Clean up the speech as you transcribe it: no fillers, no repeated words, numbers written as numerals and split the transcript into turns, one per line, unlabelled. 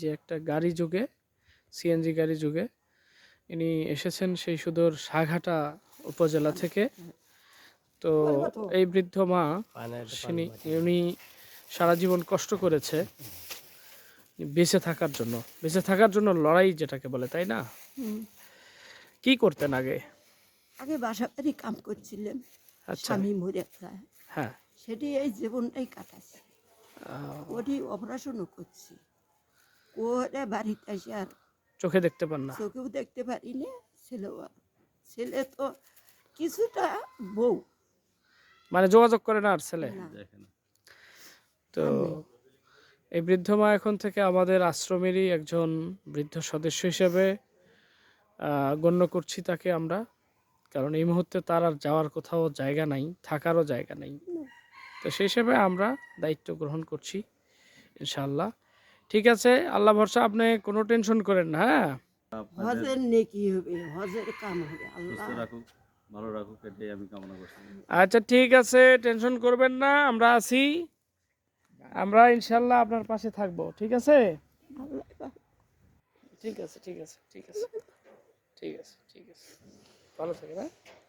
যে একটা গাড়ি যুগে, সিএনজি গাড়ি যুগে ইনি এসেছেন সেই সুদূর সাঘাটা উপজেলা থেকে। তো এই বৃদ্ধ মা উনি সারা জীবন কষ্ট করেছে বেঁচে থাকার জন্য লড়াই যেটাকে বলে, তাই না? কি করতেন আগে?
আগে বাসা বাড়ি কাম করছিলাম,
আচ্ছা,
স্বামী মরে যায়,
হ্যাঁ,
সেটি এই জীবনটাই কাটাচ্ছি। ওটি অপারেশনও করছি, ওরা বাড়িতে এসে আর
চোখে দেখতে পান না?
চোখেও দেখতে পারি না। ছেলে তো কিছুটা বউ,
মানে যোগাযোগ করে না আর ছেলে?
না,
তো
আর নেই।
এই বৃদ্ধ মা এখন থেকে আমাদের আশ্রমেরই একজন বৃদ্ধ সদস্য হিসেবে গণ্য করছি তাকে আমরা, কারণ এই মুহূর্তে তার আর যাওয়ার কোথাও জায়গা নাই, থাকারও জায়গা নেই। তো সেই হিসেবে আমরা দায়িত্ব গ্রহণ করছি ইনশাআল্লাহ। ঠিক আছে, আল্লাহ ভরসা, আপনি কোনো টেনশন করেন না। হ্যাঁ,
হজের নেকি হবে, হজের কাম হবে, আল্লাহ
রাখুক, ভালো রাখুক, এটাই আমি কামনা করছি।
আচ্ছা ঠিক আছে, টেনশন করবেন না, আমরা আছি, আমরা ইনশাআল্লাহ আপনার পাশে থাকবো। ঠিক আছে,
আল্লাহ
ঠিক আছে, ঠিক আছে, ঠিক আছে, ঠিক আছে, ঠিক আছে, ভালো থাকেন। হ্যাঁ।